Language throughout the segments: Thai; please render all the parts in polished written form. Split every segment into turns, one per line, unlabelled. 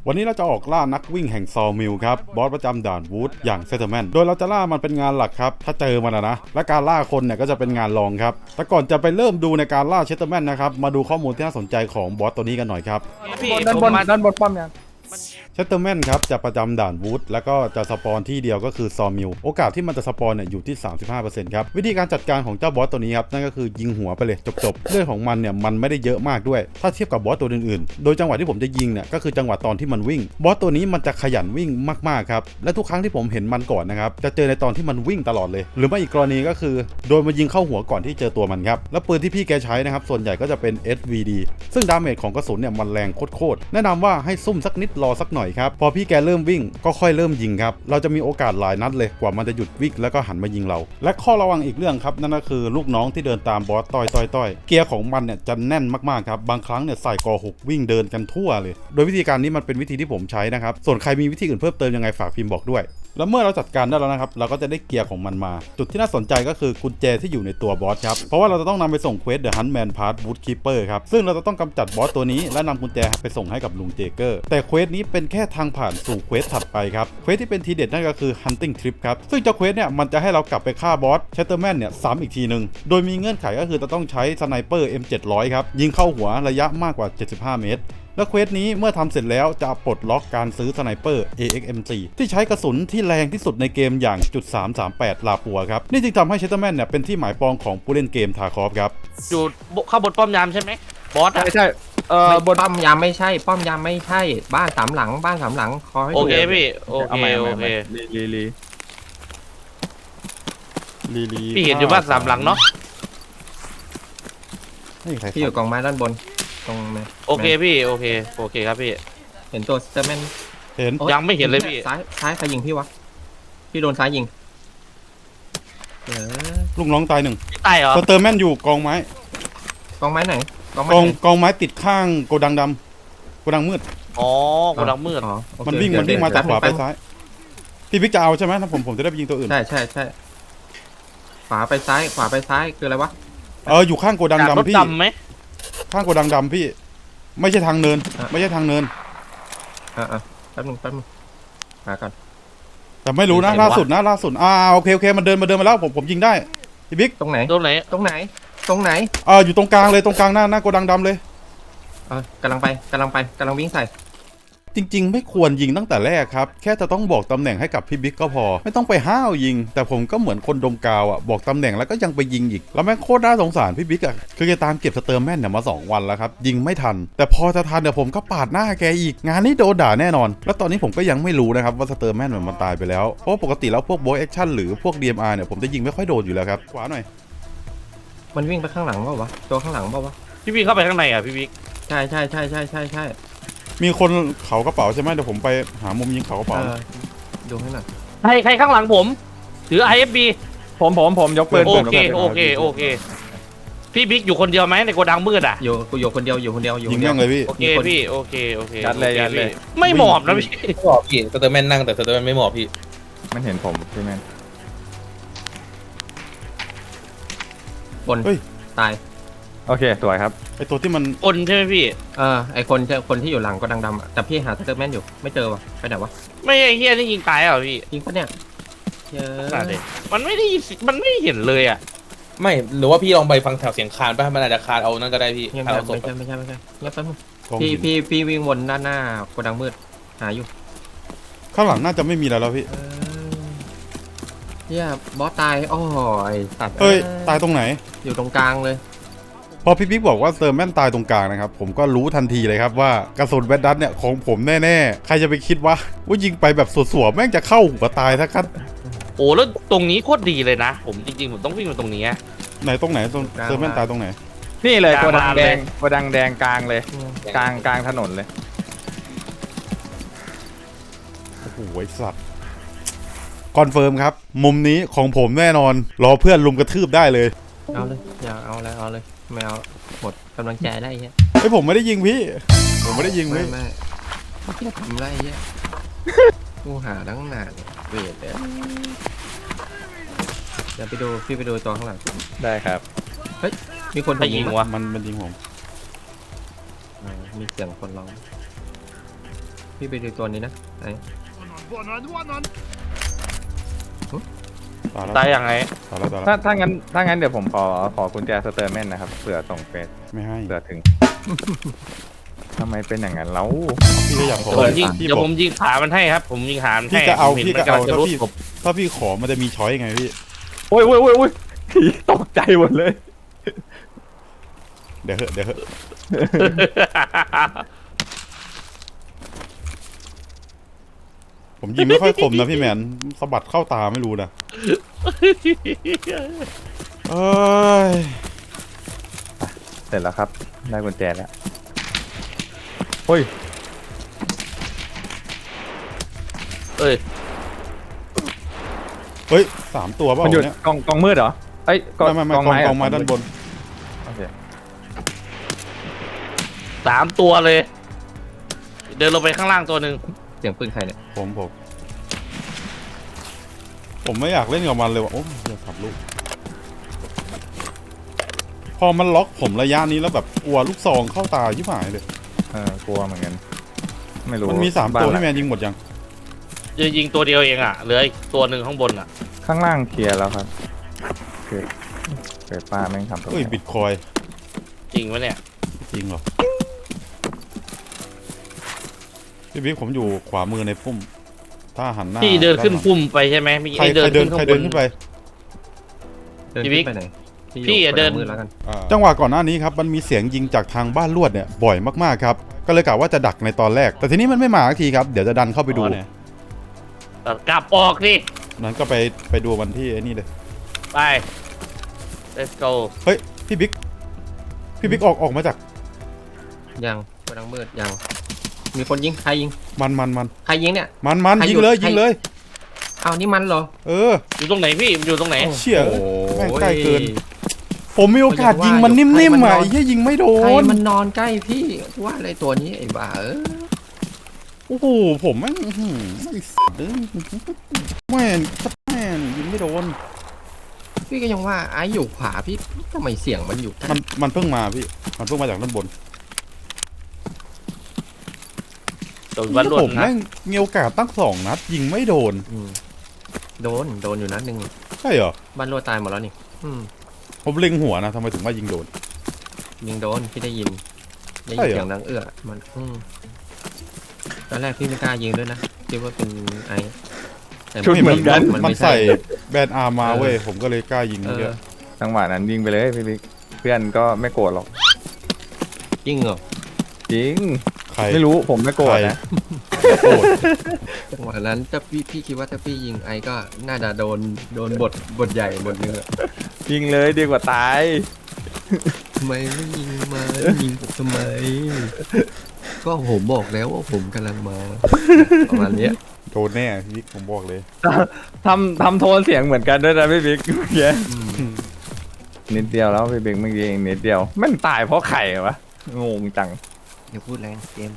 วันนี้เราจะออกล่านักวิ่งแห่งซอมิลครับบอสประจำด่านวูดอย่างเซตเตอร์แมนโดยเราจะล่ามันเป็นงานหลักครับถ้าเจอมันนะและการล่าคนเนี่ยก็จะเป็นงานรองครับแต่ก่อนจะไปเริ่มดูในการล่าเซตเตอร์แมนนะครับมาดูข้อมูลที่น่าสนใจของบอสตัวนี้กันหน่อยครับ
ด้านบนป้อมยัง
เซตเตอร์แมนครับจะประจำด่านวูดแล้วก็จะสปอนที่เดียวก็คือซอมิลโอกาสที่มันจะสปอนเนี่ยอยู่ที่ 35% ครับวิธีการจัดการของเจ้าบอสตัวนี้ครับนั่นก็คือยิงหัวไปเลยจบเรื่องของมันเนี่ยมันไม่ได้เยอะมากด้วยถ้าเทียบกับบอสตัวอื่นๆโดยจังหวะที่ผมจะยิงเนี่ยก็คือจังหวะตอนที่มันวิ่งบอสตัวนี้มันจะขยันวิ่งมากๆครับและทุกครั้งที่ผมเห็นมันก่อนนะครับจะเจอในตอนที่มันวิ่งตลอดเลยหรือไม่อีกกรณีก็คือโดนมายิงเข้าหัวก่อนที่เจอตัวมันครับและปืนที่พี่แกใช้นะครับส่วนใหญ่ก็จะเป็น SVD ซึ่งดาเมจของกระสุนเนี่ยมันแรงโคตรแนะนำว่าให้ซุ่มสักนิดรอสักหน่อยครับพอพี่แกเริ่มวิ่งก็ค่อยเริ่มยิงครับเราจะมีโอกาสหลายนัดเลยกว่ามันจะหยุดวิ่งแล้วก็หันมายิงเราและข้อระวังอีกเรื่องครับนั่นก็คือลูกน้องที่เดินตามบอสต้อยเกียร์ของมันเนี่ยจะแน่นมากๆครับบางครั้งเนี่ยใส่กอ6วิ่งเดินกันทั่วเลยโดยวิธีการนี้มันเป็นวิธีที่ผมใช้นะครับส่วนใครมีวิธีอื่นเพิ่มเติมยังไงฝากพิมพ์บอกด้วยแล้วเมื่อเราจัดการได้แล้วนะครับเราก็จะได้เกียร์ของมันมาจุดที่น่าสนใจก็คือกุญแจที่อยู่ในตัวบอสครับเพราะว่าเราจะต้องนำไปส่งเควส The Huntman Pass Wood Keeper ครับซึ่งเราจะต้องกำจัดบอสตัวนี้และนำกุญแจไปส่งให้กับลุงเจเกอร์แต่เควสนี้เป็นแค่ทางผ่านสู่เควสถัดไปครับเควสที่เป็นทีเด็ดนั่นก็คือ Hunting Trip ครับซึ่งเจ้าเควสเนี่ยมันจะให้เรากลับไปฆ่าบอส Shatterman เนี่ยซ้ำอีกทีนึงโดยมีเงื่อนไขก็คือจะต้องใช้สไนเปอร์ M700 ครับยิงเข้าหัวระยะมากกว่า75 เมตรและเควสนี้เมื่อทำเสร็จแล้วจะปลดล็อกการซื้อสไนเปอร์ AXM4 ที่ใช้กระสุนที่แรงที่สุดในเกมอย่าง.338 ลาปัวครับนี่จึงทำให้เชตเตอร์แมนเนี่ยเป็นที่หมายปองของผู้เล่นเกมทาคอฟครับ
อยู่ข้างบนป้อมยามใช่ไหมบอสอะ
ใช่
บนป้อมยามไม่ใช่ป้อมยามไม่ใช่บ้านสามหลังขอให้
โอ
ดู
เคพี่โอเคโอเค
ลี
พี่เห็นอยู่บ้านสามหลังเนาะ
ที่อยู่กองไม้ด้านบนตรงนี้
โอเคพี่โอเคครับพี่
เห็นตัวสเตอร์แมน
เห็น
ยังไม่เห็นเลยพี่
ซ้ายใครยิงพี่วะพี่โดนซ้ายยิง
ลูกน้องตายหนึ่ง
ตายเหรอ
สเตอร์แมนอยู่กองไม้
กองไม้ไหนกองไม้
กองไม้ติดข้างโกดังดำโกดังมืด
อ๋อโกดังมืด
มันวิ่งมาจากขวาไปซ้ายพี่พิกจะเอาใช่ไหมถ้าผมจะได้ไปยิงตัวอื่น
ใช่ขวาไปซ้ายคืออะไรวะ
อยู่ข้างโกดังดำพี่ข้างโกดังดำพี่ไม่ใช่ทางเนินไม่ใช่ทางเนิน
แป๊บนึงมาก่อน
แต่ไม่รู้นะล่าสุดโอเคมันเดินมาแล้วผมยิงได้พี่บิ๊ก
ตรงไหน
อยู่ตรงกลางเลยตรงกลางหน้าโกดังดำเลย
กำลังวิ่งใส่
จริงๆไม่ควรยิงตั้งแต่แรกครับแค่จะต้องบอกตำแหน่งให้กับพี่บิ๊กก็พอไม่ต้องไปห้าวยิงแต่ผมก็เหมือนคนดมกาวบอกตำแหน่งแล้วก็ยังไปยิงอีกแล้วแม่งโคตรน่าสงสารพี่บิ๊กคือแกตามเก็บสเตอร์แมนเนี่ยมา2 วันแล้วครับยิงไม่ทันแต่พอจะทันเนี่ยผมก็ปาดหน้าแกอีกงานนี้โดนด่าแน่นอนแล้วตอนนี้ผมก็ยังไม่รู้นะครับว่าสเตอร์แมนมันตายไปแล้วเพราะปกติแล้วพวกโบยแอคชั่นหรือพวก DMR เนี่ยผมจะยิงไม่ค่อยโดนอยู่แล้วครับขวาหน่อย
มันวิ่งไปข้างหลังเปล่าวะตัวข้างหลังเปล่าวะ
พี่วิ่งเข้าไปข้างในอ่ะพี่บิ๊ก
ใช่
มีคนเขากระเป๋าใช่ไหมเดี๋ยวผมไปหามุมยิงเขากระเป๋า
ดูให้หน่อย
ใครข้างหลังผมถือ IFB
ผมยกปืน
โอเคพี่บิ๊กอยู่คนเดียวไหมในโกดังมืดอ่ะ
อยู่คนเดียว
ยิงแม่งเลยพี่
โอเคพี่โอเค
ยัดเลย
ไม่หมอบนะพี่
หมอบพี่สเตอร์แมนนั่งแต่สเตอร์แมนไม่หมอบพี่
มันเห็นผมใช่ไหม
บนตาย
โอเคสวยครับ
ไอตัวที่มัน
คนใช่ไหมพี่
ไอคนที่อยู่หลังก็ดำๆแต่พี่หาสเตอร์แมนอยู่ไม่เจอวะไปไหนวะ
ไม่ไอ้เฮียนี่ยิงตายเหรอพี่
ยิงปะเนี่ย
มันไม่ได้เห็นเลยอ่ะ
ไม่หรือว่าพี่ลองไปฟังแถวเสียงคานป่ะมันอาจจะคานเอานั่นก็ได้พี่
ไม่ใช่เงียบไปมึงพี่วิ่งวนด้านหน้าโกดังมืดหาอยู่
ข้างหลังน่าจะไม่มีแล้วพี่
เนี่ยบอสตายโอ้ยสัตว์
ตายตรงไหน
อยู่ตรงกลางเลย
พอพี่บิ๊กบอกว่าสเตอร์แมนตายตรงกลางนะครับผมก็รู้ทันทีเลยครับว่ากระสุนแบดดัตเนี่ยของผมแน่ๆใครจะไปคิดว่ายิงไปแบบสวๆแม่งจะเข้าหัวตายทักคัน
โอ้แล้วตรงนี้โคตรดีเลยนะผมจริงๆผมต้องวิ่งมาตรงนี้
ไหนตรงไหนสเตอร์แมนตายตรงไหน
นี่เลยโกดังแดงกลางเลยกลางถนนเลย
โอ้โหสัตว์คอนเฟิร์มครับมุมนี้ของผมแน่นอนรอเพื่อนลุมกระทืบได้เลย
เอาเลยอยากเอาเลยไม่เอาหมดกำลังใจได้เงี้ย
ผมไม่ได้ยิงพี่ผมไม่ได้ยิงพี่
ไม่พี่ทำไรเงี้ยกูหาตั้งนานเวทเลยเดี๋ยวพี่ไปดูตัวข้างหลัง
ได้ครับ
เฮ้ยมีคน
ยิงวะ
มันยิงผม
มีเสียงคนร้องพี่ไปดูตัวนี้นะไอ้
ตายแล้ว
ตายยังไง
ตายแล้วตายแล้ว
ถ้างั้นเดี๋ยวผมขอกุญแจสเตอร์แมนนะครับเผื่อส่งเฟส
ไม่ให้
เผื่อถึง ทำไมเป็นอย่างนั้นแล้ว
พี่ก็อยากขอ
เดี๋ยวผมยิงขามันให้ครับ ผมยิงขามันให้
พี่จะเอา
ผมห็น
พี่
มัน
ก็เอา
ำลังจะรูดผม
ถ้าพี่ขอมันจะมีช้อยไงพี่
โอ้ยตกใจหมดเลย
เดี๋ยวเหอะผมยิงไม่ค่อยคมนะพี่แมนสะบัดเข้าตาไม่รู้นะเอ้ย
เสร็จแล้วครับได้กุญแจแล้วเฮ้ย
เอ้ย
เฮ้ย3 ตัวเปล่า
มันอยู่
เนี่ย
กองมืดเหรอเอ้ย
ไม่
กองไม้
กองไม้ด้านบน
โอเค
3 ตัวเลย เดินลงไปข้างล่างตัวหนึ่ง
เสียงปืนใครเนี่ย
ผมไม่อยากเล่นกับมันเลยว่ะโอ้ยอยากขับลูกพอมันล็อกผมระยะนี้แล้วแบบกลัวลูกซองเข้าตายิ่งหายเลย
กลัวเหมือนกันไม่รู้
มันมี3 ตัวที่แมนยิงหมดยัง
จะยิงตัวเดียวเองอ่ะเหลืออีกตัวหนึ่งข้างบนอ่ะ
ข้างล่างเคลียร์แล้วครับคือเปิดป้าแม่งทำตัว
เฮ้ยบิตคอย
จริงไหมเนี่ย
จริงเหรอพี่บิ๊กผมอยู่ขวามือในพุ่มถ้าหันหน้า
พี่เดินขึ้นพุ่มไปใช่ไหมมี
ใคร
เดิน
เดิ
ขึ้
น
น
ใคร
ข้างบ
เดิ
น
นขึ้นไป
เดิน
พี่บิ๊
ขึ้
ก
นไปไหน
พี่อย่าเดิน
มือแล้วกัน
จังหวะก่อนหน้านี้ครับมันมีเสียงยิงจากทางบ้านลวดเนี่ยบ่อยมากๆครับก็เลยกะว่าจะดักในตอนแรก แต่ทีนี้มันไม่มาสักทีครับเดี๋ยวจะดันเข้าไปดู
กลับออกดิ
นั้นก็ไปดูวันที่ไอ้นี่เลย
ไป let's go
เฮ้ยพี่บิ๊กออกมาจาก
ยังกระดังมืดยังมีคนยิงใครยิง
มัน
ใครยิงเนี่ย ใคร
ยิ
อง ยู่
เลย
ใคร
ยิงเลย
อ้าวนี่มันเหรอ
เออ
อยู่ตรงไหนพี่มันอยู่ตรงไหน
เชี่ย
โอ้
แม่ง
ย
ใกล้เกิน ผมมีโอกาสยิงมันนิ่มๆอ่ะไอ้เหี้ยยิงไม่โด
ใคร
น
มันนอนใกล้พี่ว่าอะไรตัวนี้ไอ้บ้า
โอ้โหผมแม่งไอ้สัตว์แม่งยิงไม่โดน
พี่ก็ยังว่าไอ้อยู่ขวาพี่ทำไมเสียงมันอยู่
มันเพิ่งมาพี่มันเพิ่งมาจากด้านบน
โดนวันรวด
ผม
นะ
แม่งมีโอกาสตั้ง2 นัดยิงไม่โดน
โดนอยู่นัดหนึ่ง
ใช่เหรอ
บ้านรัวตายหมดแล้วนี่
ผมเล็งหัวนะทำไมถึงว่ายิงโดน
ยิงโดนพี่ได้ยิน
ใช่เหรอ
เสียงดังมันตอนแรกพี่ไม่กล้ายิงด้วยนะคิดว่าเป็นไอ้แต่
ชุดเหมือนกัน
มัน
ไม่
ใส่
ใช่
แบนอาร์มาเว้ยผมก็เลยกล้ายิง
เอ
เย
อ
อะ
จังหวะนั้นยิงไปเลยพี่บิ๊กเพื่อนก็ไม่โกรธหรอก
ยิงเหรอ
จริง
ใคร
ไม่รู้ผมไม่โกรธนะ
โกรธ
จังหวะนั้นถ้าพี่คิดว่าถ้าพี่ยิงไอ้ก็น่าจะโดนบทใหญ่บทนึงอะ
ยิงเลยดีกว่าตาย
ทำไมไม่ยิงมายิงผมทำไม ก็ผมบอกแล้วว่าผมกำลังมาประมาณเนี้ย
โดนแน่พี่ผมบอกเลย
ทำโทนเสียงเหมือนกันด้วยนะพี่บิ๊กเมื่อกี้นิดเดียวแล้วพี่บิ๊กเมื่อกี้เองนิดเดียวแม่งตายเพราะไข่เหรอวะงงจัง
อย่าพูดแรงเกม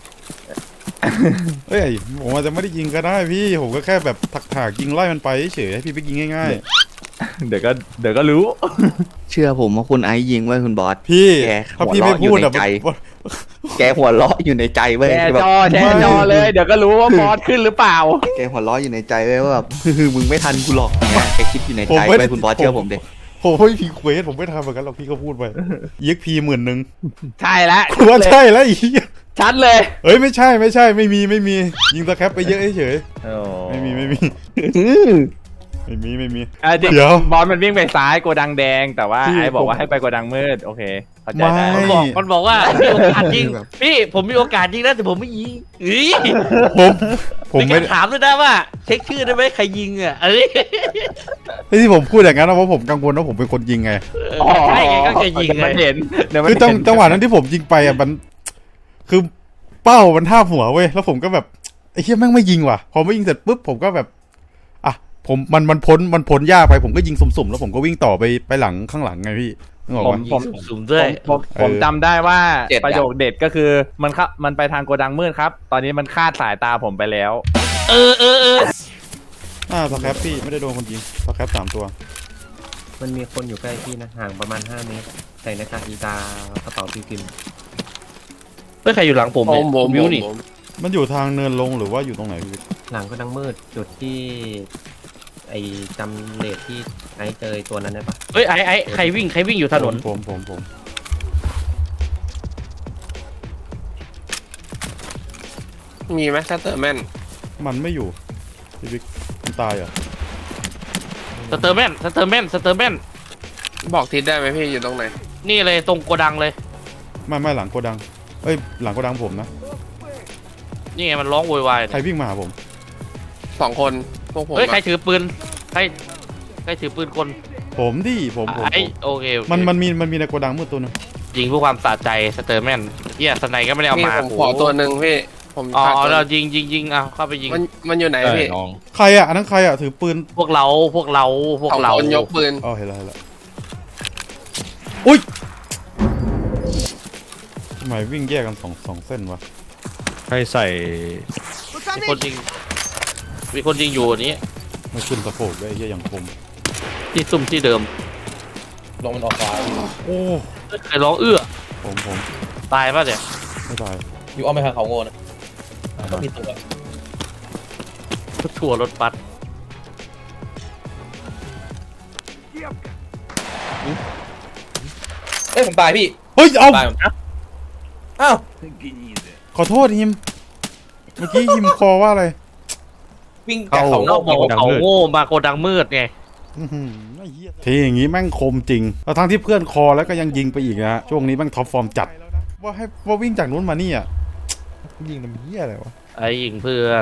เอ้ยผมอาจจะไม่ได้ยิงก็ได้พี่ผมก็แค่แบบถักยิงไล่มันไปเฉยให้พี่ไปยิงง่าย
เดี๋ยวก็รู้
เชื่อผมว่าคุณไอซ์ยิงไว้คุณบอส
ๆพี่
แก
ถ้าพี่ไม่พูดอะ
หัวเราะอยู่ในใจ แกหัวเราะอยู่ในใจเว้ย
แชร์
แบบ
จอเลยเดี๋ยวก็รู้ว่าบอสขึ้นหรือเปล่า
แกหัวเราะอยู่ในใจเว้ยว่าแบบ มึงไม่ทันกูหรอกเนี่ยแกคิดอยู่ในใจเว้ยคุณบอสเชื่อผมดิ
ผมไม่พีเควสผมไม่ทำเหมือนกันหรอกพี่ก็พูดไปยิกพี10,000
ใช่แล้ว
ว่าใช่แล้วอีก
ชัดเลย
เอ้ยไม่ใช่ไม่มียิงตะแคปไปเยอะเฉยไม่มี
อ่ะจริง
เดี๋ยว
บอสมันวิ่งไปซ้ายโกดังแดง แต่ว่า
พี่
ไอ้บอกว่า
ผม
ให้ไปโกดังมืดโอเคเข้าใจ
ไม่
ได้
มันบอกว่ามีโอกาสยิงพี่ผมมีโอกาสยิงนะแต่ผมไม่ยิงอี๋
ผม
มี
ไม่
การถามด้วยนะว่า เช็คชื่อได้ไหมใครยิงอ่ะ
ที่ผมพูดอย่างนั้นนะเพราะผมกังวลว่าผมเป็นคนยิงไง
ใช่ไงก็จะยิงไง
มันเห็นเดี๋ยวมัน
คือ
เห็น
จังหวะนั้นที่ผมยิงไปอ่ะมันคือเป้ามันท่าบหัวเว้ยแล้วผมก็แบบไอ้เหี้ยแม่งไม่ยิงว่ะพอไม่ยิงเสร็จปุ๊บผมก็แบบอ่ะผมมันพ้นยากไปผมก็ยิงสุ่มๆแล้วผมก็วิ่งต่อไปหลังข้างหลังไงพี่นึกออกปะ
ผม
สุ่มด้วย
ผมจำได้ว่า
เจ็ดอะ
ประโยคเด็ดก็คือมันไปทางโกดังมืดครับ ตอนนี้มันคาดสายตาผมไปแล้ว
เออ
สแครปพี่ไม่ได้โดนคนยิงสแครป3 ตัว
มันมีคนอยู่ใกล้พี่นะห่างประมาณ5 เมตรใส่หน้ากากอีตากระเป๋าพิมพ์
เฮ้ยใครอยู่หลังผมเนี่ยวิวนี่
มันอยู่ทางเนินลงหรือว่าอยู่ตรงไหนพี่
หลังก็ดังมืดจุดที่ ไอจำเลทที่ไอเจอตัวนั้นได้ปะ
เฮ้ยไอ้ใครวิ่งอยู่ถนน
ผม
มีไหมชัตเตอร์แมน
มันไม่อยู่พี่บิ๊กมันตายเหรอ
สเตอร์แมน
บอกทิศได้ไหมพี่อยู่ตรงไหน
นี่เลยตรงโกดังเลย
ไม่หลังโกดังเอ้ยหลังโกดังผมนะ
นี่ไงมันร้องโวยวาย
ใครวิ่งมาหาผม
2 คนพวกผม
เฮ้ย
อะ
ใครถือปืนใครถือปืนคน
ผมดิผม
ไอ้โอเค
มันมีในโกดังมืดตัวนึง
ยิงเพื่อความสะใจสเตอร์แมนเฮียสไนก็ไม่ได้เอา
นี่
มา
ผมขอตัวหนึ่งพี่ ผม
อ๋อ
ขาดตัวห
เรา
นึ่ง
ยิงเอาเข้าไปยิง
มันอยู่ไหนพี่
ใครอ่ะอันนั้นใครอ่ะถือปืน
พวกเรา
สองคนยกปืน
อ๋อเห็นแล้วอุ้ยทำไมวิ่งแยกกันสองเส้นวะ
ให้ใส่
มีคนยิงอยู่อันนี้
ไม่ขึ้นสะโพกได้ไอ้เหี้ยอย่างคม
ที่ซุ่มที่เดิม
ลงมันออกขวา
โอ้
ใครร้องเอื้อ
ผม
ตายป่ะเนี่ย
ไม่ตาย
อยู่อ้อมไปทางเขาโง่นะก็มีตัว
ถั่วรถบัส
เอ้ยผมตายพี่
เฮ้ยเอา
ตายผมอ้าว
ขอโทษฮิมเมื่อกี้ฮิมคอว่าอะไร
วิ่งจากเขา
เรา
โง่
บอกเขาโง่มาโกดังมืดไง
อื้อหือไอ้เหี้ยทีอย่างงี้แม่งคมจริงแล้วทั้งที่เพื่อนคอแล้วก็ยังยิงไปอีกนะฮะช่วงนี้แม่งท็อปฟอร์มจัดว่าวิ่งจากนู้นมานี่อ่ะยิงทำเหี้ยอะไรวะ
ไอ้ยิงเพื่อน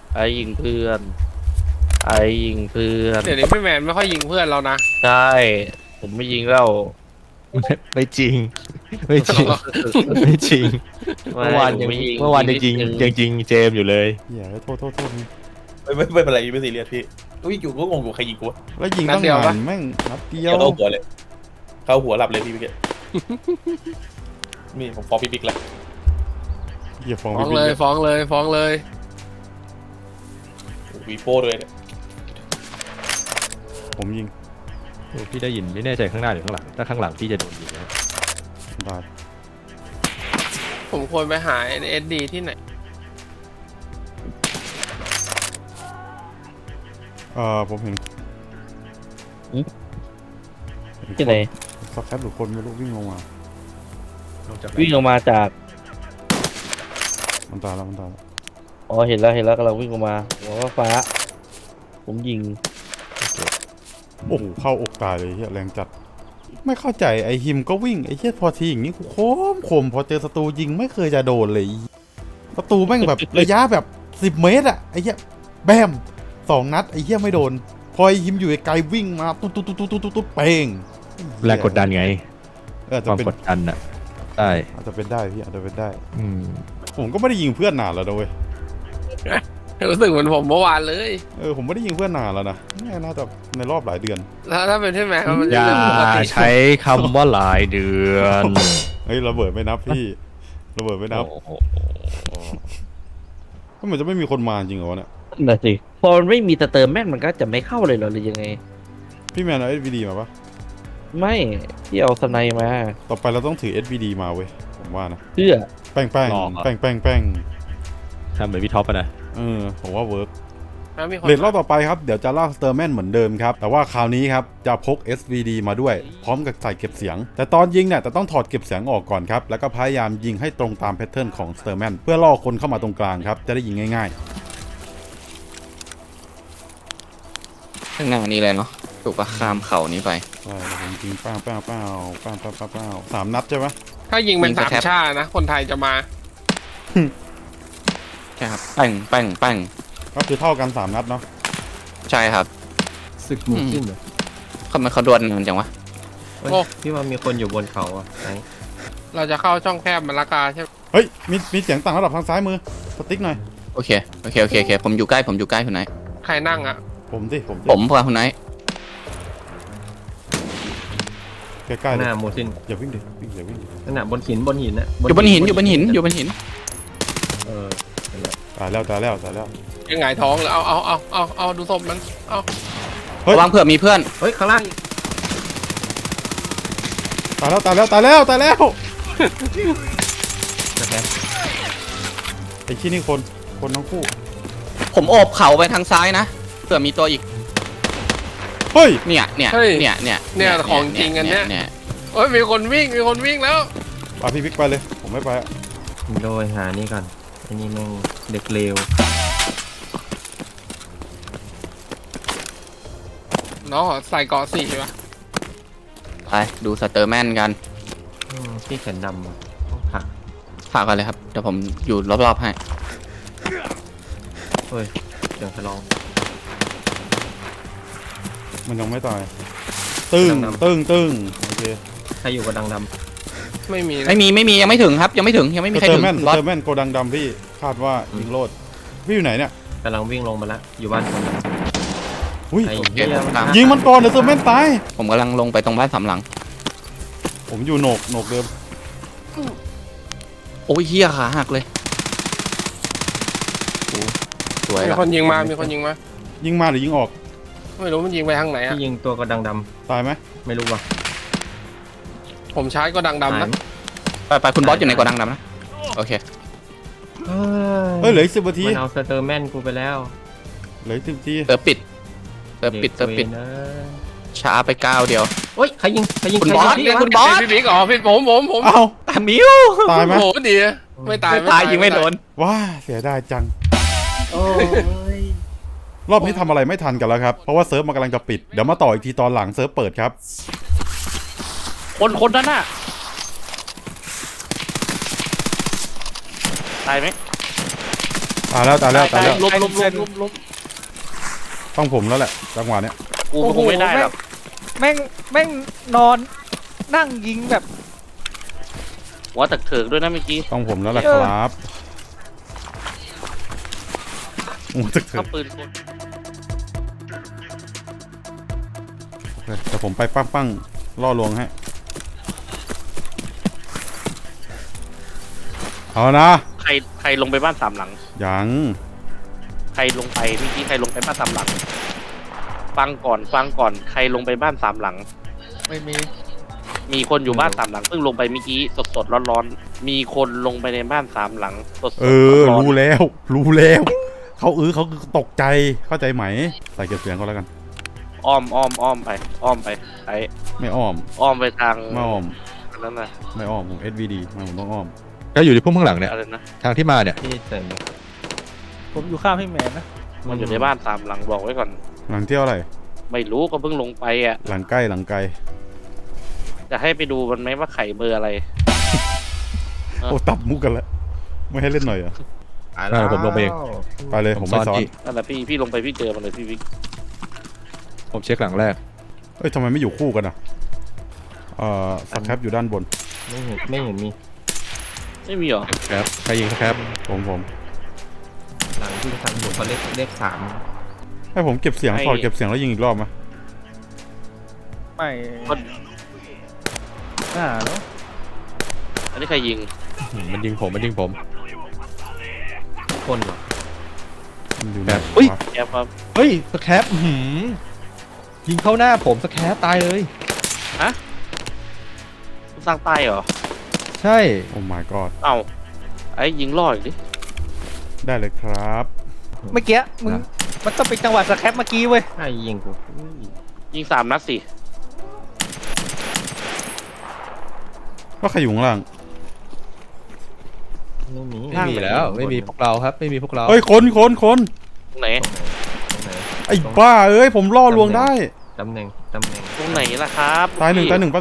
เดี๋ยวนี้พี่แมนไม่ค่อยยิงเพื่อนเรานะ
ใช่ผมไม่ยิงแล้ว
ไม่จริง ไม่จริง ไม่จริง เมื่อวานยัง จริงยังจริงเจมอยู่เลย
เหี้ยโทษนี่
ไม่เป็นไรไม่ซีเรียสพี่อุ้ยอยู่ก็งงอยู่ใครยิงกูวะ
แล้วยิงตั้งนานแม่งนัดเดีย
เกี่ยว วเข้าหัวเลยเข้าหัวหลับเลยพี่พี่เกศนี่ผมฟ้องพี่บิ๊กแล้ว
เหี้ยฟอง
ฟ้อง
พี่
เลย
บิ๊ก
ฟ้องเลยฟ้องเลย
วีโป้ด้วยเนี่ย
ผมยิง
พี่ได้ยินไม่แน่ใจข้างหน้าหรือข้างหลัง ถ้าข้างหลังพี่จะโดนยิงนะ
ตาย
ผมควรไปหาเอสดีที่ไหน
ผมเห็น
ที่ไหน
สักแคปหรือคนไม่รู้วิ่งลงมา
วิ่งออกมาจาก
มันตายแล้ว
อ๋อเห็นแล้วกำลังวิ่งออกมาหัวฟ้า ผมยิง
โอ้โหเข้าอกตายเลยเหี้ยแรงจัด ไม่เข้าใจไอ้ฮิมก็วิ่งไอ้เหี้ยพอทีอย่างนี้กูคมพอเจอศัตรูยิงไม่เคยจะโดนเลยศัตรูแม่งแบบ ระยะแบบ10 เมตรอะไอ้เหี้ยแบม2 นัดไอ้เหี้ยไม่โดน พอไอ้ฮิมอยู่ไกลวิ่งมาตุ๊ดเป้ง
แรงกดดันไง
อาจ
ค
จะ
วาม
เป็น
กดดันอ่ะใช่
อาจจะเป็นได้พี่อาจจะเป็นได้
อืม
ผมก็ไม่ได้ยิงเพื่อนนานแล้วนะเว้ย
รู้สึกเหมือนผมเมื่อวานเลย
ผมไม่ได้ยิงเพื่อนนานแล้วนะน่าจะในรอบหลายเดือน
ถ้าเป็นพี่แมนมัน
อ
จะ
ย่า
เป็นปกติ
ใช้คำว่าหลายเดือน
เฮ้ยระเบิดไม่นับพี่ระเบิดไม่นับ
โอ้โห
ก็เหมือนจะไม่มีคนมาจริงเหรอวะเนี่ย
น่ะสิพอมันไม่มีสเตอร์แมนมันก็จะไม่เข้าเลยเหรอหรือยังไง
พี่แมนเอา SVD มาปะ
ไม่ที่เอาสไนมา
ต่อไปเราต้องถือ SVD มาเว้ยผมว่านะ
เพื่อ
แป้ง
หลอกเหรอ
แป้ง
ทำเหมือนพี่ท็อปอะนะ
ผมว่าเวิร์ก
แล้วมีคน
เลดรอบต่อไปครับเดี๋ยวจะลากสเตอร์แมนเหมือนเดิมครับแต่ว่าคราวนี้ครับจะพก SVD มาด้วย พร้อมกับใส่เก็บเสียง แต่ตอนยิงเนี่ยจะต้องถอดเก็บเสียงออกก่อนครับแล้วก็พยายามยิงให้ตรงตามแพทเทิร์นของสเตอร์แมนเพื่อล่อคนเข้ามาตรงกลางครับจะได้ยิงง่าย
ข้างหน้านี้เลยเนาะถูกปะข้ามเขานี้ไป
ๆใช่แล้วผมยิงป้า3 นัดใช่ไหม
ถ้ายิงเป็น
ยิง
สาม
แท็บ
ชาตินะ คนไทยจะมา
ใช่ครับแป้ง
ก็คือเท่ากัน3 นัดเนาะ
ใช่ครับ
ศึกหมูขึ้นเหรอ
ทำไมเขาดวลกันจังวะ
เฮ้ย
โอ้
พี่ว่ามีคนอยู่บนเขาอ่ะไอ
เราจะเข้าช่องแคบมันละกาใช่ไหม
เฮ้ยมีเสียงต่างระดับทางซ้ายมือสติ๊กหน่อย
โอเคผมอยู่ใกล้คุณไหน
ใครนั่งอ่ะ
ผมสิ
ผมพาคุณไหน
ใกล้ๆ
ห
เลย
น้าโมซิน
อย่าวิ่งดิอย่าวิ่งดิ
นั่นน่ะบนหินน่ะ
อยู่บนหิน
เออ
ตายแล้ว
ยังไงท้องเลยเอาดูศพมันเอา
เฮ้ย
ระวังเผื่อมีเพื่อน
เฮ้ยข้างล่างอีก
ตายแล้ว
นะครับ
ใจอ้ที่นี่คนทั้งคู่
ผมโอบเข่าไปทางซ้ายนะเผื่อมีตัวอีก
เฮ้ย
เนี่ย
เนี่ยของจริงอันเนี้ยโอ้ยมีคนวิ่งแล้ว
ไปพี่บิ๊กไปเลยผมไม่ไปอะ
โดยหานี่ก่อนไอ้นี่แม่งเด็กเลว
น้องขอใส่เกาะ4ป่ะ
ไปดูสเตอร์แมนกัน
ที่แขนดำอะต้องผ่า
ฝากกันเลยครับเดี๋ยวผมอยู่รอบๆให้
เฮ้ยเสียงทะลอง
มันยังไม่ตายตึ้ง
ดำ
ตึ้งโอเค
ใครอยู่กับดังด
ไม่มีนะ
ไม่มียังไม่ถึงครับยังไม่มีใคร
เตอ
ถึ
ร์
ง
แมน
บอส
เตอร์แมนโกดังดำพี่คาดว่ายิงโลดพี่อยู่ไหนเนี่ย
ำกำลังวิ่งลงมาแล้วอยู่บ้านคน
อุ้ย
ไอ้เหี้ยมัน
ยิงมันก่อนเดี๋ยวเตอร์แมนตาย
ผมกำลังลงไปตรงบ้านสามหลัง
ผมอยู่โหนกเดิม
โอ้ยเฮียขาหักเลยโอ้สวย
มี
ละ
คนยิงมา
ยิงมาหรือยิงออก
ไม่รู้มันยิงไปทางไหนอ่ะ
ที่ยิงตัวกระดังด
ตายไหม
ำไม่รู้ว่ะ
ผมชาร์จก็ดังดำนะ
ไปคุณบอสอยู่ในกระดังดำนะโอเค
เฮ้ยเหลืออีก10 นาที
มันเอาสเตอร์แมนกูไปแล้ว
เหลืออีก10 นาที
เติมปิดช้าไปก้าวเดียว
เฮ้ยใครยิง
คุณบอส
ใคร
เนี่ย
ยิง
คุณบอส
พี่บิ๊กอ๋อพี่ผม
เอ้า
ตามิว
ตายไหม
โอ้โหดีไม่ตาย
ยิงไม่โดน
ว้าเสียดายจัง
โอ้ย
รอบนี้ทำอะไรไม่ทันกันแล้วครับเพราะว่าเซิร์ฟมันกำลังจะปิดเดี๋ยวมาต่ออีกทีตอนหลังเซิร์ฟเปิดครับ
คนนั้นน่ะตายไหม
ตายแล้ว
ล้ม
ต้องผมแล้วแหละจังหวะเนี้ย
กูคงไม่ได้หรอก
แม่งนอนนั่งยิงแบบ
หัวตะเถิกด้วยนะเมื่อกี้
ต้องผมแล้วแหละครับโอ้ตึกเถ
เข้า
อะ
ปืนคน
แต่ผมไปปั้งล่อลวงให้เอานะ
ใครลงไปบ้านสามหลัง
ยัง
ใครลงไปเมื่อกี้ใครลงไปบ้านสามหลัง ฟังก่อนใครลงไปบ้านสามหลัง
ไม่มี
มีคนอยู่บ้านสามหลังเพิ่งลงไปเมื่อกี้สดร้อนๆมีคนลงไปในบ้านสามหลังสดร้อน
รู้แล้ว เขาตกใจเข้าใจไหมใส่เก็บเสียงก็แล้วกัน
อ้อมไปไอ้
ไม่อ้อม
อ้อมไปทาง
ไม่อ้อม
นั่นน่ะ
ไม่อ้อมผม SVD ไม่ผมต้องอ้อม
ก็อยู่ที่พุ่มข้างหลังเนี่ย
อะไรนะ
ทางที่มาเนี่ย
ที่เสริม
ผมอยู่ข้างพี่แมนนะ
มันอยู่ในบ้านสามหลังบอกไว้ก่อน
หลังเที่ยวอะไร
ไม่รู้ก็เพิ่งลงไปอ่ะ
หลังใกล้หลังไกล
จะให้ไปดูมันไหมว่าไข่เบอร์อะไร
โอ้ตัดมุกกันแล้วไม่ให้เล่นหน่อยเหรอ
ผมลงไปเอง
ไปเลยผมไม่ซ้อน
ที่
นั่นแหละพี่ลงไปพี่เจอมันเลยพี่วิก
ผมเช็คหลังแรก
เอ้ยทำไมไม่อยู่คู่กันอ่ะสแครปอยู่ด้านบน
ไม่เห็นมี
ไม่มีหรอ
ครับใครยิงสครับ
ผม
หลังที่ทำอยู่เขาเลขสาม
ให้ผมเก็บเสียงถอดเก็บเสียงแล้วยิงอีกรอบไหม
ไม่น่าแล้ว
อันนี้ใครยิง
มันยิงผม
คนเหรอ
มันอยู่
ครับ
อุ้ย
แอบครับ
เฮ้ยสครับยิงเข้าหน้าผมสครับตายเลย
สร้างใต้เหรอ
ใช่
โอ้ my god
เอ้าไอ้ยิงล่ออีกดิ
ได้เลยครับ
เมื่อกี้มึงมันต้องเป็นจังหวะสแครปเมื่อกี้เว้ย
ใครยิงกู
ยิง3 นัดสิ
ก็ใครอยู่ข้างล่าง
ไม่มี
ไม่มีแล้วไม่มีพวกเราครับไม่มีพวกเรา
เอ้ยคน
ตรงไหน
ตรงไหน
ไอ้บ้าเอ้ยผมล่อลวงได้
ตำแหน่ง
ตรงไหนล่ะครับ
ตายหนึ่งแป๊บนึง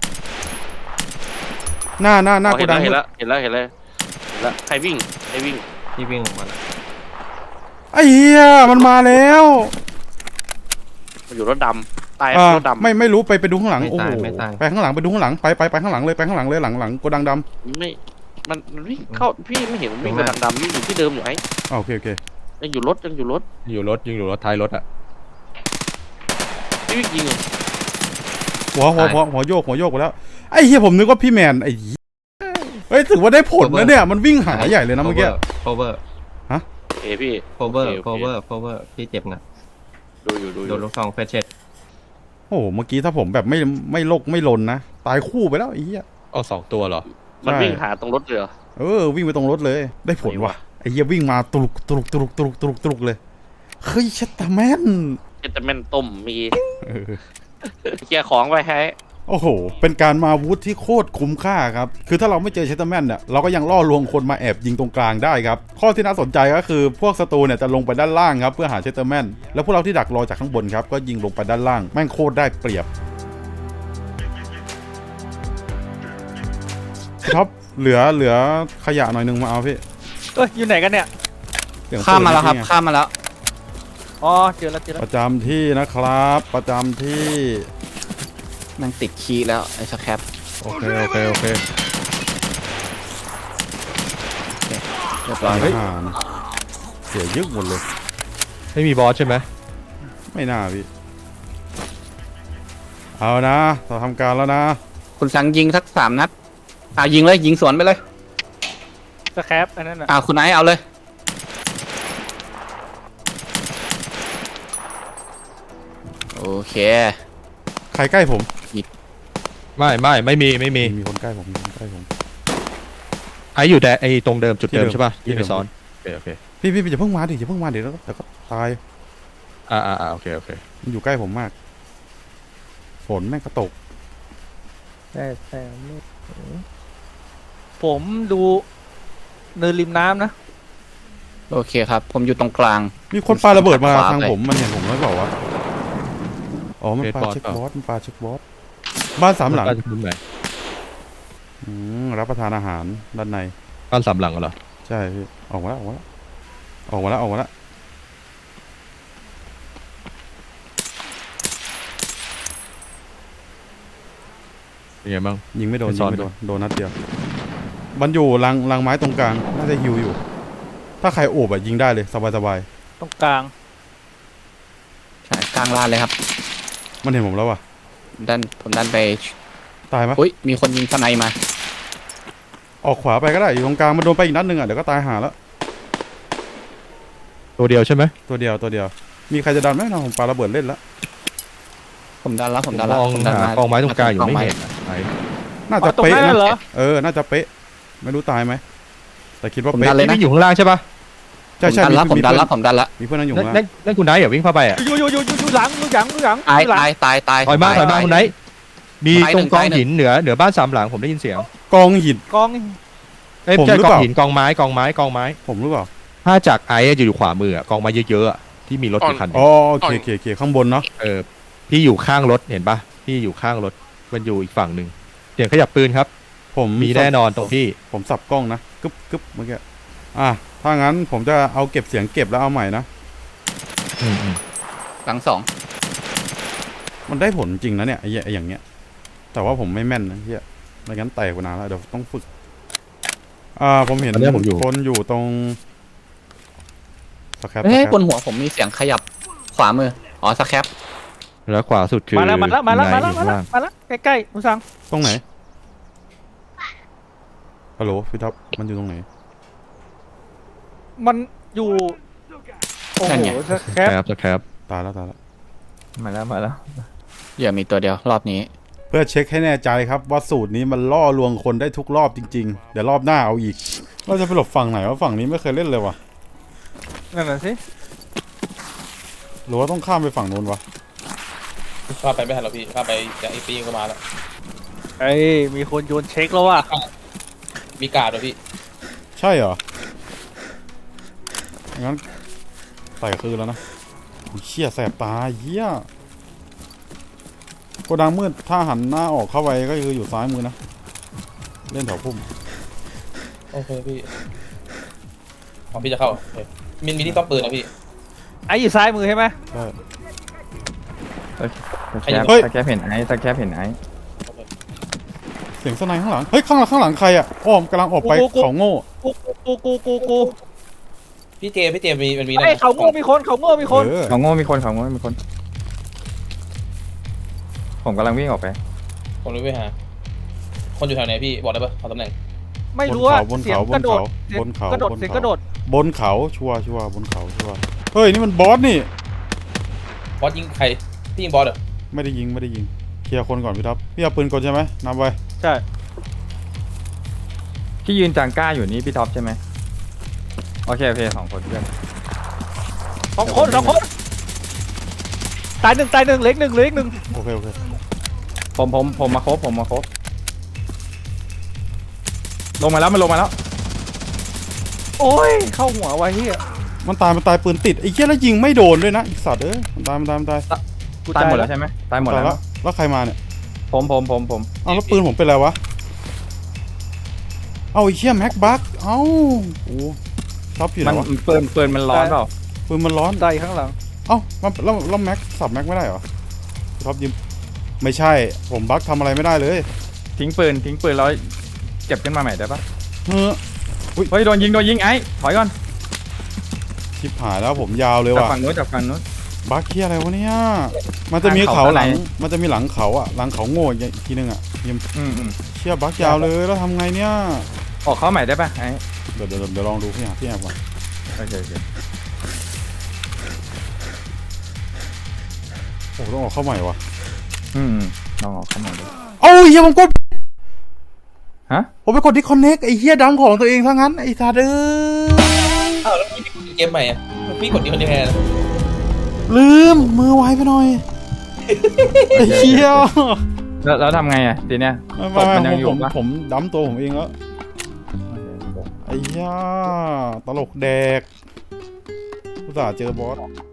หน้า
อ๋อ
โกดัง
เห็นแล้วใครวิ่ง
ที่วิ่งออกมาแล้ว
ไอ้เหี้ยมันมาแล้ว
มันอยู่รถดำตาย
อ่าร
ถดำ
ไม่รู้ไปดูข้างหลัง
ไม่
โอ้
ตา
โห
ยไม่ตาย
ไปข้างหลังไปดูข้างหลังไปข้างหลังเลยไปข้างหลังเลยหลังโกดังด
ไม่มันวิ่งเข้าพี่ไม่เห็นมันวิ่งไปทางดำอยู่ที่เดิมอยู่ไอ้
ำโอเค
ยังอยู่รถ
ยิงอยู่รถท้ายรถอ่ะ
พี่วิ่งยิงเหรอ
หัวโยกไปแล้วไอ้เหี้ยผมนึกว่าพี่แมนไอ้เหี้ยเฮ้ยถือว่าได้ผลนะเนี่ยมันวิ่งหาใหญ่เลยนะเมื่อกี้
cover
เอ้พี่
cover
โอเค
cover พี่เจ็บนะ
ดูอยู่
โดนลูกซองเฟชเช็ด
โอ้โหเมื่อกี้ถ้าผมแบบไม่ลกไม่ลนนะตายคู่ไปแล้วไอ้เหี้ย
อ๋อ2 ตัวเหรอ
มัน
ใช่
วิ่งหาตรงรถเลยเหรอ
วิ่งไปตรงรถเลยได้ผลว่ะไอ้เหี้ยวิ่งมาตุลุกตุลุกตุลุกตุลุกตุลุกตุลุกเลยเฮ้ยเชตตาแมน
จะเป็นต้มมีเคลียร์ของไว้ให้
โอ้โหเป็นการมาวูดที่โคตรคุ้มค่าครับคือถ้าเราไม่เจอเชตตาแมนเนี่ยเราก็ยังล่อลวงคนมาแอบยิงตรงกลางได้ครับข้อที่น่าสนใจก็คือพวกศัตรูเนี่ยจะลงไปด้านล่างครับเพื่อหาเชตตาแมนแล้วพวกเราที่ดักรอจากข้างบนครับก็ยิงลงไปด้านล่างแม่งโคตรได้เปรียบท็อปเหลือขยะหน่อยนึงมาเอาพี่
เอ้ยอยู่ไหนกันเนี่ย
เสียงปืน
ข้ามมาแล้วครับ
นี่ไง
ข้ามมาแล้ว
อ๋อเจอแล้ว
ประจำที่นะครับประจำที่
มันติดคีย์แล้วไอ้สแครป
โอเค
เรียบร้อย
เฮ้ยเสียยึกหมดเลย
ไม่มีบอสใช่ไหม
ไม่น่าพี่เอานะเราทำการแล้วนะ
คุณสังยิงสัก3 นัดยิงเลยยิงสวนไปเลย
สแครปอันนั้นน่ะ
คุณไอซ์เอาเลยโอเค
ใครใกล้ผม
ไม่มี
มีคนใกล้ผมมีคนใกล้ผม
ไอ้อยู่แต่ไอ้ตรงเดิมจุดเดิม
ที่เดิม
ใช่ป่ะ
ที่
ที่
เดิ
ไป
ม
ซ้อนโอเค
พี่อย่าเพิ่งมาดิอย่าเพิ่งมาเดี๋ยวก็ตาย
โอเค
มันอยู่ใกล้ผมมากฝนแม่งก็ตก
แต่ไม่ผมดูเนินริมน้ำนะ
โอเคครับผมอยู่ตรงกลาง
มีคนปาระเบิดมา
ขวา
ทาง
ไป
ผมมันเห็นผมหรือเปล่าวะอ๋อมันปาเช็คบอสบ้าน3 หลัง
บ้านมุมไหน
รับประทานอาหารด้านใน
บ้าน3 หลังเหรอ
ใช่พี่ออกมาแล้ว
เป็นไงบ้าง
ยิงไม่โดน
ไปซ้อน
โดนนัดเดียวมันอยู่รังไม้ตรงกลางน่าจะฮิวอยู่ ถ้าใครโอบอะยิงได้เลยสบาย
ตรงกลาง
ใช่กลางลานเลยครับ
ๆมันเห็นผมแล้ววะ
ผมดันไป
ตายไหม
อุ้ยมีคนยิงสไนมา
ออกขวาไปก็ได้อยู่ตรงกลางมันโดนไปอีกนัดนึงอะเดี๋ยวก็ตายหาแล้ว
ตัวเดียวใช่ไหม
ตัวเดียวมีใครจะดันไหมนะผมปาระเบิดเล่นแล้ว
ผมดันแล้ว
มองหากองไม้ตรงกลางอยู่ไม่เห็นไอ้
น่าจะ
ตรง
เป๊ะ
นั้น
นะ
เหรอ
น่าจะเป๊ะไม่รู้ตายไหมแต่คิดว่า
ผม
เป๊ะ
ดันเลยนะ
นี่อยู่ข้างล่างใช่ป่ะ
ใช่
ผมดันแล้วผมดันแล้ว
มีเพื่อนนั่งอยู่
นั่น
ข้าง
นั่
ล่าง
นนั่นคุณไนท์อย่าวิ่งเข้าไปอ่ะ
อยู่หลัง
ตาย
หลัง
ตาย
ถอยมาคุณไนท์มี
ตาย
ต
ห
ร
นึ่
ง
ง
กอง
ตายหนึ่ง
หินเหนือบ้าน3 หลังผมได้ยินเสียง
กองหิน
กอง
เอ้ย
ผม
ไม่ใช่
หรื
ก
อ
อง
เปล่า
หินกองไม้
ผมหรือเปล่า
ถ้าจากไอ้จะอยู่ขวามือกองไม้เยอะๆอะที่มีรถอยู่คันหนึ่ง
อ๋อโอเคข้างบนเนาะ
พี่อยู่ข้างรถเห็นปะพี่อยู่ข้างรถมันอยู่อีกฝั่งหนึ่งเสียงขยับปืนครับ
ผม
มีแน่นอนตรงพี่
ผมสับกล้องนะกึบเมื่อกี้ถ้างั้นผมจะเอาเก็บเสียงเก็บแล้วเอาใหม่นะ
หลัง2
มันได้ผลจริงนะเนี่ยไอ้อย่างเงี้ยแต่ว่าผมไม่แม่นนะเฮียไม่งั้นแตกกว่านานแล้วเดี๋ยวต้องฝึกผมเห็น
ตอนนี้ผมอยู่
คนอยู่ตรงสแครป
เฮ้ยบนหัวผมมีเสียงขยับขวามือสแครป
แล้วขวาสุดคือ
มาแล้ว
คุณไนท์อยู่ข้างล่าง
ใกล้ๆคุณสัง
ตรงไหนฮัลโหลพี่ท็อปมันอยู่ตรงไหน
มันอยู่โอ้โหสแครป
สแครป
ตายแล้ว
มาแล้ว
อย่ามีตัวเดียวรอบนี้
เพื่อเช็คให้แน่ใจครับว่าสูตรนี้มันล่อลวงคนได้ทุกรอบจริงๆเดี๋ยวรอบหน้าเอาอีกเราจะไปหลบฝั่งไหนวะฝั่งนี้ไม่เคยเล่นเลยวะ
นั่นน่ะสิ
หรือว่าต้องข้ามไปฝั่งนู้นวะ
ข้าไปไม่ทันหรอกพี่ข้าไปจากไอ้ปีก็มาแล้ว
ไอ้มีคนโยนเช็คแล้วว่ะ
มีการ์ดด้วยพี่
ใช่เหรองั้นใส่คือแล้วนะเชี่ยแสบตาเหี้ยโกดังมืดถ้าหันหน้าออกเข้าไปก็คืออยู่ซ้ายมือนะเล่นแถวพุ่ม
โอเคพี่ของพี่จะเข้าโอเคมีที่ต้องปืนนะพี่
ไอ้อยู่ซ้ายมือใช่ไหม
ใช่
สแคปเห็นไอ้สแคปเห็นไอ้
เสียงสไนข้างหลังเฮ้ยข้างหลังใครอ่ะอ้อมกำลังออกไปเขาโง่
กู
พี่เจมส์มันมี
ไอ้เขาโง่มีคน
เออ
เขาโง่มีคนผมกำลังวิ่งออกไป
ผมรู้ไปหาคนอยู่แถวไหนพี่บอกได้ปะขอตำแหน่ง
ไม่รู้ว่า
บน
เสียง
เขา
กระโดด
บนเขา
กระโดดเสียงกระโดด
บนเขาชัวร์บนเขาชัวร์เฮ้ยนี่มันบอสนี่
บอสยิงใครพี่ยิงบอสเหรอ
ไม่ได้ยิงเคลียร์คนก่อนพี่ท็อปพี่เอาปืนกลใช่ไหมนับไว้
ใช่
ที่ยืนจังก้าอยู่นี่พี่ท็อปใช่ไหมโอเค2 คนเพื่อน
สองคนตายหนึ่งเหล็กหนึ่ง
โอเค
ผมมาครบลงมาแล้วมันลงมาแล้ว
โอ้ยเข้าหัวไว้เฮีย
มันตายปืนติดไอ้เหี้ยแล้วยิงไม่โดนด้วยนะไอ้สัตว์มันตาย
กู
ตายหมดแล้วใช่ไหมตายหมดแล้ว
แล้วใครมาเนี่ย
ผม
เอาแล้วปืนผมเป็นไรวะเอาไอ้เหี้ยแม็กบัคเอ้าโอ้ท็อปอยู่ไห
มัน
นวะ
ปืนมันร้อนเปล่า
ปืนมันร้อน
ตายข้างหลัง
เอ้าแล้วแม็กสับแม็กไม่ได้เหรอท็อปยิมไม่ใช่ผมบัคทำอะไรไม่ได้เลย
ทิ้งปืนแล้วเก็บขึ้นมาใหม่ได้ปะ
เฮ้อ
เฮ้ยโดนยิงไอ้ถอยก่อน
ชิบหายแล้วผมยาวเลย
จาก
ว่ะ
ฝั่งนู้นจากฝั่งนู้น
บัคเหี้ยอะไรวะเนี่ยมันจะมีเขาหลัง
ทางเขา
มันจะมีหลังเขาอ่ะหลังเขาโง่อีกทีนึงอ่ะยิม เชี่ยบัคยาวเลยแล้วทำไงเนี่ย
ออกเข้าใหม่ได้ปะไอ้
เดี๋ยวลองดูพี่แอบก่อน
โอเค
โอ้ต้องออกเข้าใหม่วะ
ลองออกเข้าใหม่ดู
เอ้าเฮียผมกด
ฮะ
ผมไปกดดิคอนเน็กไอ้เฮียดังของตัวเองซะงั้นไอ้สัตว์เอ้ย
อ้าวแล้วพี่เกมใหม่อ่ะพี่กดดีคนเดียวแทน
ลืมมือไวไปหน่อยไอ้เฮีย
แล้วทำไงอ่ะทีเนี้ย
ไม่
มันยังอยู่ปะ
ผมดั้มตัวผมเองแล้วไอ้เฮียตลกแดกอุตส่าห์เจอบอส